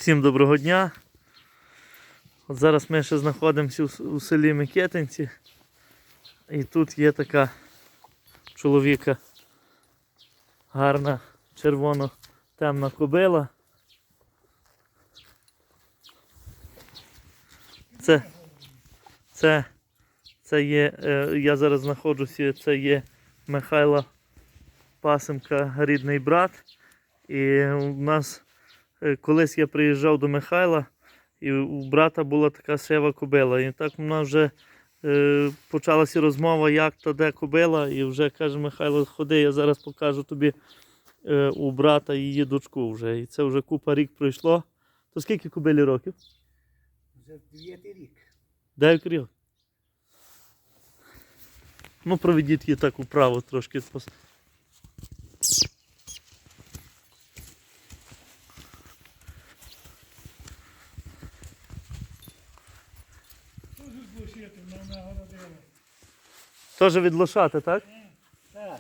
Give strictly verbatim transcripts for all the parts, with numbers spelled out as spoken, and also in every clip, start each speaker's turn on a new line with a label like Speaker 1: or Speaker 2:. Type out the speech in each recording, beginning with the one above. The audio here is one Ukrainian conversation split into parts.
Speaker 1: Всім доброго дня. От зараз ми ще знаходимося у селі Микитинці. І тут є така чоловіка гарна червоно-темна кобила. Це, це, це є, я зараз знаходжуся, це є Михайла Пасенка, рідний брат. І у нас колись я приїжджав до Михайла, і у брата була така сива кобила. І так у нас вже е, почалася розмова, як та де кобила. І вже каже Михайло, ходи, я зараз покажу тобі е, у брата її дочку вже. І це вже купа рік пройшло. То скільки кобилі років?
Speaker 2: Вже дев'ятий рік.
Speaker 1: Дев'ять років. Ну, проведіть її так управо трошки. Теж від лошати, так?
Speaker 2: Так.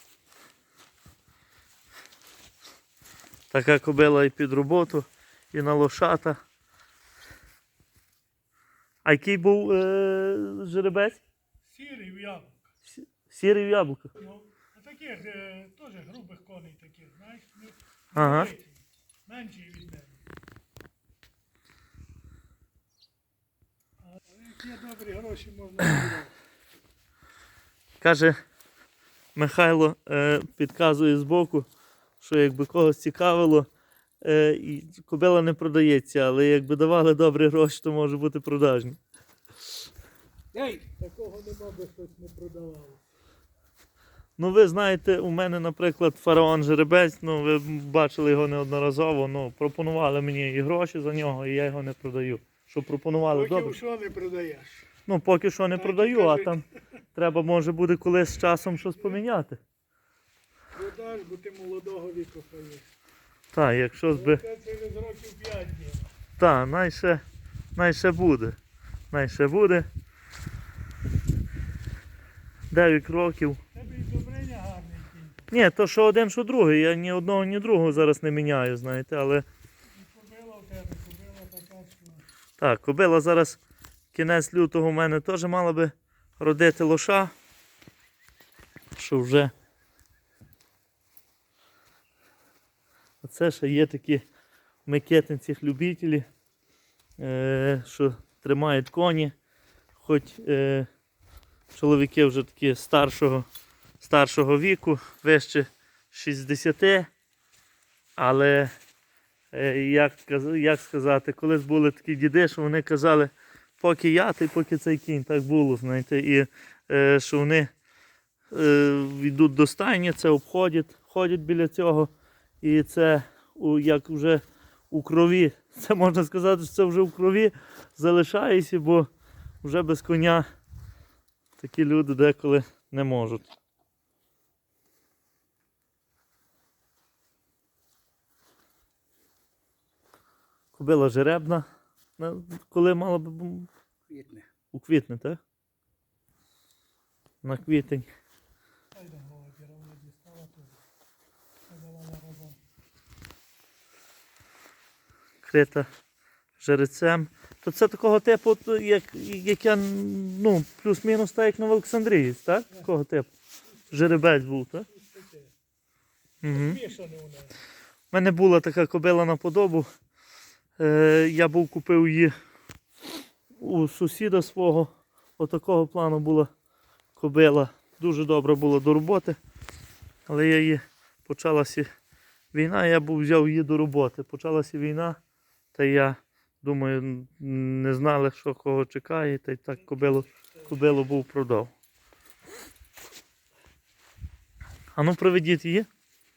Speaker 1: Така кобила і під роботу, і на лошата. А який був е, жеребець?
Speaker 2: Сірий в яблука.
Speaker 1: Сірий в яблуках.
Speaker 2: Ну, а таких е, теж грубих коней таких, знаєш, ну,
Speaker 1: Ага.
Speaker 2: менші від мене. А які добрі гроші можна збирати.
Speaker 1: Каже, Михайло е, підказує збоку, що якби когось цікавило, е, і кобила не продається, але якби давали добрі гроші, то може бути продажні.
Speaker 2: Ей! Такого нема, би хтось не продавав.
Speaker 1: Ну ви знаєте, у мене, наприклад, фараон жеребець, ну ви бачили його неодноразово, ну пропонували мені і гроші за нього, і я його не продаю. Що пропонували добре?
Speaker 2: Поки що не продаєш.
Speaker 1: Ну поки що не
Speaker 2: Так,
Speaker 1: продаю, а
Speaker 2: кажуть.
Speaker 1: там треба може буде колись з часом щось поміняти.
Speaker 2: Продаш, бо ти молодого віку хаєш.
Speaker 1: Так, якщо би...
Speaker 2: Це через років п'ять днів.
Speaker 1: Так, найше, найше буде. Найше буде. дев'ять років.
Speaker 2: Тебе і добриня гарний кінь.
Speaker 1: Ні, то що один, що другий. Я ні одного, ні другого зараз не міняю, знаєте, але...
Speaker 2: І кобила в тебе, кобила така, що...
Speaker 1: Так, кобила зараз кінець лютого у мене теж мала би родити лоша. Що вже... Оце ще є такі в Микитинцях любителі, е, що тримають коні, хоч е, чоловіки вже такі старшого, старшого віку, вище шістдесят, але е, як, як сказати, колись були такі діди, що вони казали, поки я, ти поки цей кінь, так було, знаєте, і е, що вони е, йдуть до стайні, це обходять, ходять біля цього. І це у, як вже у крові, це можна сказати, що це вже у крові залишається, бо вже без коня такі люди деколи не можуть. Кобила жеребна, коли мала б
Speaker 2: Квітне.
Speaker 1: у квітні, так? На квітень.
Speaker 2: Ай да голодя, вона дістала тут. Подавала разом.
Speaker 1: Крита жерецем. То це такого типу, як, як я, ну, плюс-мінус так, як Новоолександрієць, так? Такого типу. Жеребець був, так? Угу.
Speaker 2: Мішане у неї.
Speaker 1: У мене була така кобила на подобу. Е, я був купив її у сусіда свого. Отакого плану була кобила. Дуже добра була до роботи. Але я її, почалася війна, я був взяв її до роботи. Почалася війна, та я думаю, не знали, що кого чекає, та й так кобилу, кобилу був продав. А ну проведіть її.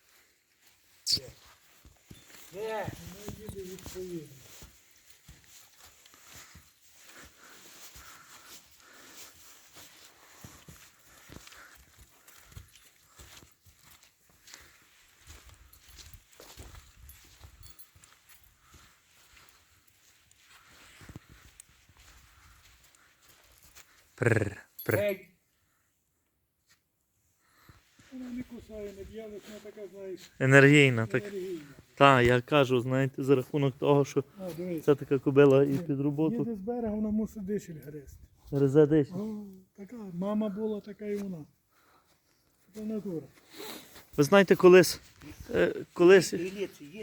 Speaker 2: Де? Вона їде відповідно.
Speaker 1: Прррр, прррр.
Speaker 2: Ей! Вона не кусає, не б'є, але вона така, знаєш,
Speaker 1: Енергійна, так.
Speaker 2: енергійна.
Speaker 1: Так, я кажу, знаєте, за рахунок того, що
Speaker 2: А, дивись.
Speaker 1: це така кобила і під роботу
Speaker 2: Їде з берега, вона мусить дишель гризти.
Speaker 1: гризе десь.
Speaker 2: О, така, мама була, така і вона. Це натура.
Speaker 1: Ви знаєте, колись, е, колись
Speaker 3: Гіліці є,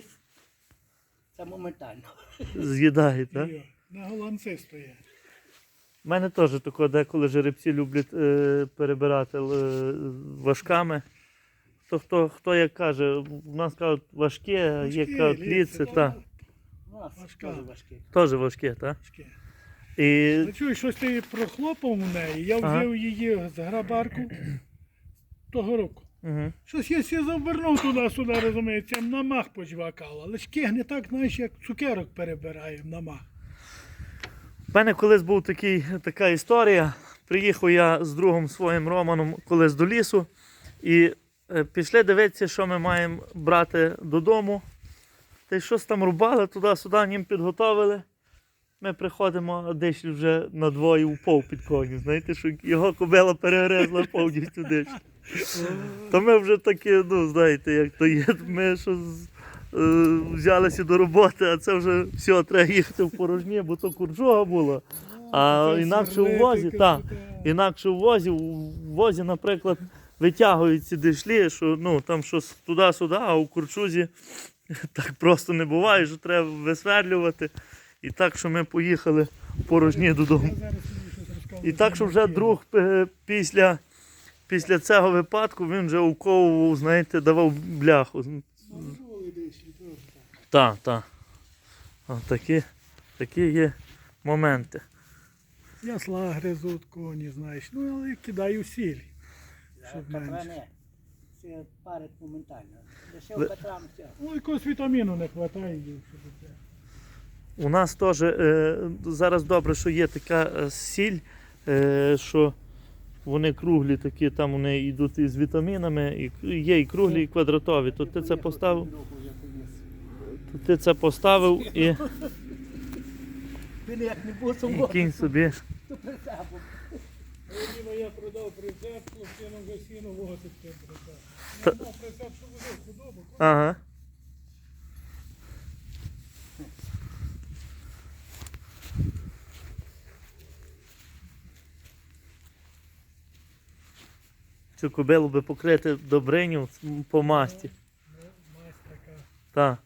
Speaker 3: це моментально.
Speaker 1: з'їдають, так?
Speaker 2: Йо, на голландці стоять.
Speaker 1: У мене теж тако деколи жеребці люблять е, перебирати е, важками. Хто, хто, хто як каже, у нас кажуть важке, є
Speaker 2: Важкі,
Speaker 1: кажуть
Speaker 2: ліце,
Speaker 1: ліце,
Speaker 2: та,
Speaker 1: та.
Speaker 3: У нас
Speaker 2: Важка.
Speaker 3: теж важкі.
Speaker 1: Теж важке, так?
Speaker 2: Важкі.
Speaker 1: І
Speaker 2: Ну, чуєш, щось ти прохлопав у неї, я
Speaker 1: Ага.
Speaker 2: взяв її з грабарку того року.
Speaker 1: угу.
Speaker 2: Щось я сі завернув туди-сюди, розумієте, на мах почвакав, але ж кигне так, знаєш, як цукерок перебираємо на мах.
Speaker 1: У мене колись був такий, така історія. Приїхав я з другом своїм Романом колись до лісу і е, пішли дивитися, що ми маємо брати додому. Та й щось там рубали, туди-сюди, ним підготовили. Ми приходимо, а десь вже надвоє упав під коню. Знаєте, що його кобила перегризла повністю десь. То ми вже такі, ну знаєте, як то є, ми що з- е, взялися до роботи, а це вже все, треба їхати в порожні, бо то курчога була. А
Speaker 2: Це
Speaker 1: інакше у
Speaker 2: сверлити,
Speaker 1: возі, так,
Speaker 2: красота.
Speaker 1: інакше у возі, у возі, наприклад, витягують ці дишлі, що ну там щось туди-сюди, а у курчузі так просто не буває, що треба висверлювати. І так, що ми поїхали в порожні додому.
Speaker 2: Я зараз тобі щось розкажу.
Speaker 1: І так, що вже друг е, після, після цього випадку він вже уковував, знаєте, давав бляху.
Speaker 2: Ну, були десь, і теж так.
Speaker 1: Так, так. Такі, такі є моменти.
Speaker 2: Ясла гризуть коні, знаєш, ну але кидаю сіль, щоб менше.
Speaker 3: Катране, це парить моментально. Лише
Speaker 1: Ви-
Speaker 3: в Катрам все.
Speaker 2: Ну, якогось вітаміну не вистачає їм, щоб це.
Speaker 1: У нас теж е, зараз добре, що є така е, сіль, е, що вони круглі такі, там вони йдуть із вітамінами, і є і круглі, і квадратові. То ти це поставив, то ти це поставив і,
Speaker 3: Він як не був
Speaker 1: і
Speaker 3: суботу,
Speaker 1: кінь собі.
Speaker 3: то прицепом.
Speaker 2: Діма, я продав прицеп, хлопчину вже сіно возить цей прицеп.
Speaker 1: Та-
Speaker 2: Я мав прицеп, що возив худобу.
Speaker 1: Ага. Цю кобилу би покрити добриню по масті.
Speaker 2: Ну, мазь така.
Speaker 1: Так.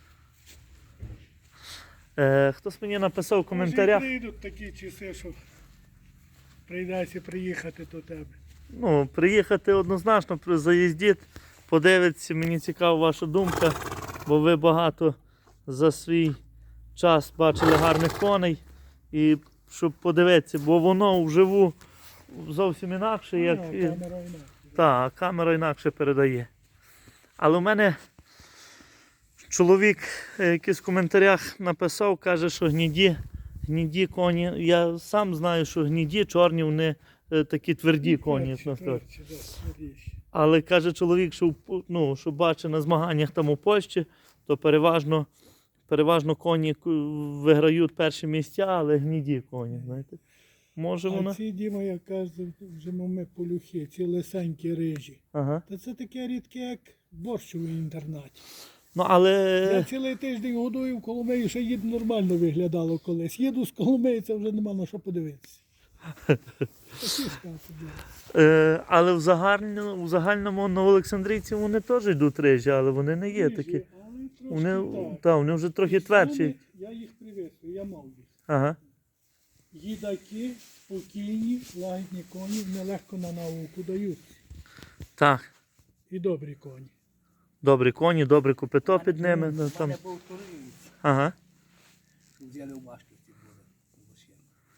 Speaker 1: Е, хтось мені написав в коментарях.
Speaker 2: Може, і прийдуть такі часи, що прийдеться приїхати до тебе.
Speaker 1: Ну, приїхати однозначно, при- заїздіть, подивитися, мені цікава ваша думка, бо ви багато за свій час бачили гарних коней. І щоб подивитися, бо воно вживу зовсім інакше, як.
Speaker 2: Ну,
Speaker 1: і-
Speaker 2: камера інакше.
Speaker 1: Так, камера інакше передає. Але в мене чоловік е, якийсь в коментарях написав, каже, що гніді, гніді коні. Я сам знаю, що гніді, чорні, вони е, такі тверді коні.
Speaker 2: Твердші,
Speaker 1: як нас кажуть.
Speaker 2: твердші, да, твердіші.
Speaker 1: Але каже чоловік, що, в Пу- ну, що бачить на змаганнях там у Польщі, то переважно, переважно коні ку- виграють перші місця, але гніді коні. Знаєте. Може
Speaker 2: А
Speaker 1: вона?
Speaker 2: ці, Діма, як кажуть, вже ми полюхи, ці лисенькі рижі.
Speaker 1: Ага.
Speaker 2: Та це таке рідке, як борщ у інтернаті.
Speaker 1: Ну, але.
Speaker 2: Я цілий тиждень годую в Коломиї, ще їду нормально виглядало колись. Їду з Коломиї, це вже нема на що подивитися. Такі скати, да.
Speaker 1: Е, але в загальному, в загальному Новоолександрійці вони теж йдуть рижі, але вони не є
Speaker 2: Рижі,
Speaker 1: такі.
Speaker 2: але трошки
Speaker 1: Вони,
Speaker 2: так.
Speaker 1: та, вони вже трохи твердші.
Speaker 2: Вони- Я їх привезли, я мав їх.
Speaker 1: Ага.
Speaker 2: Їдаки, спокійні, лагідні коні, нелегко на науку дають.
Speaker 1: Так.
Speaker 2: І добрі коні.
Speaker 1: Добрі коні, добре копито під ними. Ну,
Speaker 3: У
Speaker 1: там.
Speaker 3: мене був туриць,
Speaker 1: Ага.
Speaker 3: взяли у Машківці були. у Лосєнку.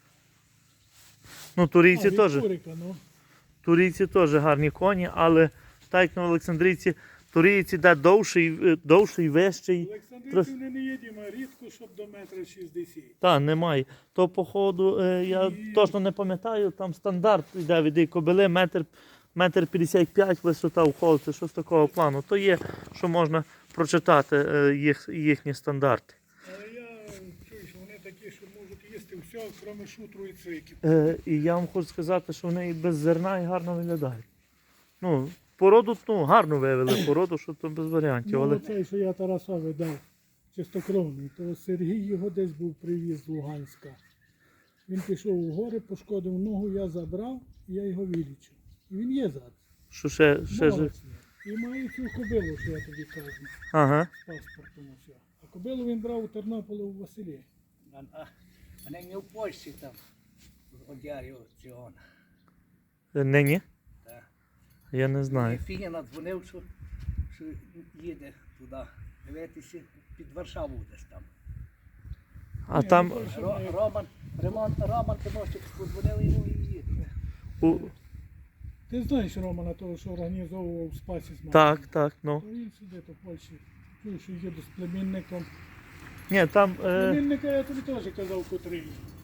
Speaker 1: Ну, турійці
Speaker 2: А, від
Speaker 1: теж.
Speaker 2: Курика, ну.
Speaker 1: Турійці теж гарні коні, але так як Новоолександрійці, турійці де довший, е, довший, вищий.
Speaker 2: Олександрівці вони не є, Діма, рідко, щоб до метра шістдесят.
Speaker 1: Та, немає. То, походу, е, я
Speaker 2: І-
Speaker 1: точно не пам'ятаю, там стандарт йде від її кобили, метр, метр п'ятдесят п'ять висота в холці, щось такого плану. То є, що можна прочитати е, їх, їхні стандарти.
Speaker 2: Але я чую, що вони такі, що можуть їсти все, крім шутру і цвиків.
Speaker 1: Е, і я вам хочу сказати, що вони і без зерна і гарно виглядають. Ну, породу, ну, гарно вивели породу, що то без варіантів.
Speaker 2: Ну,
Speaker 1: Але...
Speaker 2: оцей, що я Тарасові дав, чистокровний, то Сергій його десь був привіз з Луганська. Він пішов у гори, пошкодив ногу, я забрав, і я його вилічив. І він є зараз.
Speaker 1: Що ще, ще жив.
Speaker 2: Молодець. І має цю кобилу, що я тобі кажу,
Speaker 1: Ага.
Speaker 2: з паспортом усе. А кобилу він брав у Тернополі у Василі.
Speaker 3: А, а, а не в Польщі там, в Одярі аукціон.
Speaker 1: Нині?
Speaker 3: Так.
Speaker 1: Я не знаю.
Speaker 3: Фіня надзвонив, що, що їде туди. Дивитися, під Варшаву десь там.
Speaker 1: А
Speaker 2: Ні,
Speaker 1: там
Speaker 2: ну, то, що
Speaker 3: Ро,
Speaker 2: ми-
Speaker 3: Роман, Роман, Роман Тимощик подзвонив йому і їде.
Speaker 1: у...
Speaker 2: Ти знаєш Романа, того, що організовував Спасі з
Speaker 1: Так, так, ну.
Speaker 2: То він сидить у Польщі. Чую, що їду з племінником.
Speaker 1: Ні, там. Е...
Speaker 2: Племінника я тобі теж казав, котрий.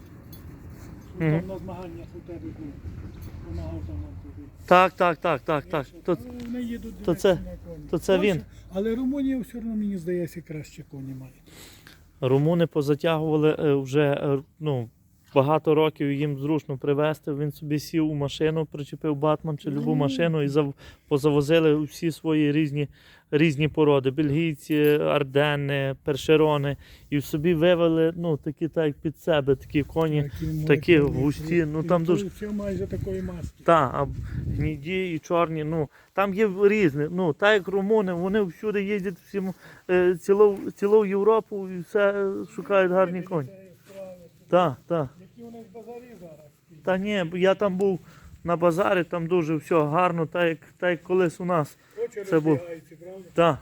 Speaker 2: Що
Speaker 1: Мгм.
Speaker 2: там на змаганнях у тебе був. Помагав там вам тобі.
Speaker 1: Так, так, так, так, так. То,
Speaker 2: Ну, вони їдуть
Speaker 1: то
Speaker 2: дивитися
Speaker 1: це-
Speaker 2: на коні.
Speaker 1: то це
Speaker 2: Польща-
Speaker 1: він.
Speaker 2: Але Румунія все одно, мені здається, краще коні має.
Speaker 1: румуни позатягували е, вже е, ну, багато років їм зручно привезти. Він собі сів у машину, причепив батман чи любу
Speaker 2: Ну.
Speaker 1: машину і зав... позавозили всі свої різні, різні породи. Бельгійці, арденни, першерони. І собі вивели ну, такі так, як під себе, такі коні.
Speaker 2: Такі,
Speaker 1: такі
Speaker 2: мої,
Speaker 1: густі, ну, там
Speaker 2: і
Speaker 1: дуже-
Speaker 2: Все майже такої маски.
Speaker 1: Та, а гніді і чорні, ну, там є різні. Ну, так як румуни, вони всюди їздять всім, е, цілу, цілу Європу і все е, шукають гарні коні. Так, так.
Speaker 2: Які у них базарі зараз?
Speaker 1: Та ні, бо я там був на базарі, там дуже все гарно, так як, так як колись у нас.
Speaker 2: Очі
Speaker 1: Це був-
Speaker 2: розбігаються, правда?
Speaker 1: Так.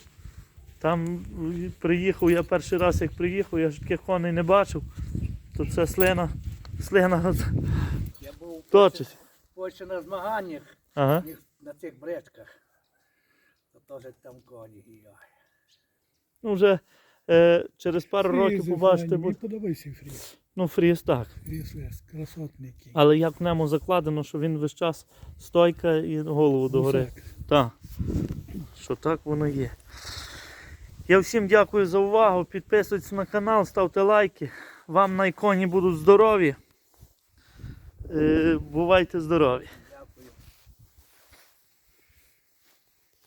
Speaker 1: Там е, приїхав, я перший раз як приїхав, я ж таких коней не бачив. То це слина, слина
Speaker 3: Я був в
Speaker 1: точить.
Speaker 3: в Польщі на змаганнях,
Speaker 1: Ага.
Speaker 3: їх на цих бречках. То теж там коні. І я.
Speaker 1: Ну вже е, через пару років
Speaker 2: Фрізи
Speaker 1: побачите,
Speaker 2: файні,
Speaker 1: бо,
Speaker 2: мені подобається фріз.
Speaker 1: ну фріз так.
Speaker 2: Фріз вес, красотний який.
Speaker 1: Але як в ньому закладено, що він весь час стойка і голову догори.
Speaker 2: Гусак.
Speaker 1: Так. Що так воно є. Я всім дякую за увагу. Підписуйтесь на канал, ставте лайки. Вам на іконі будуть здорові. Е, бувайте здорові.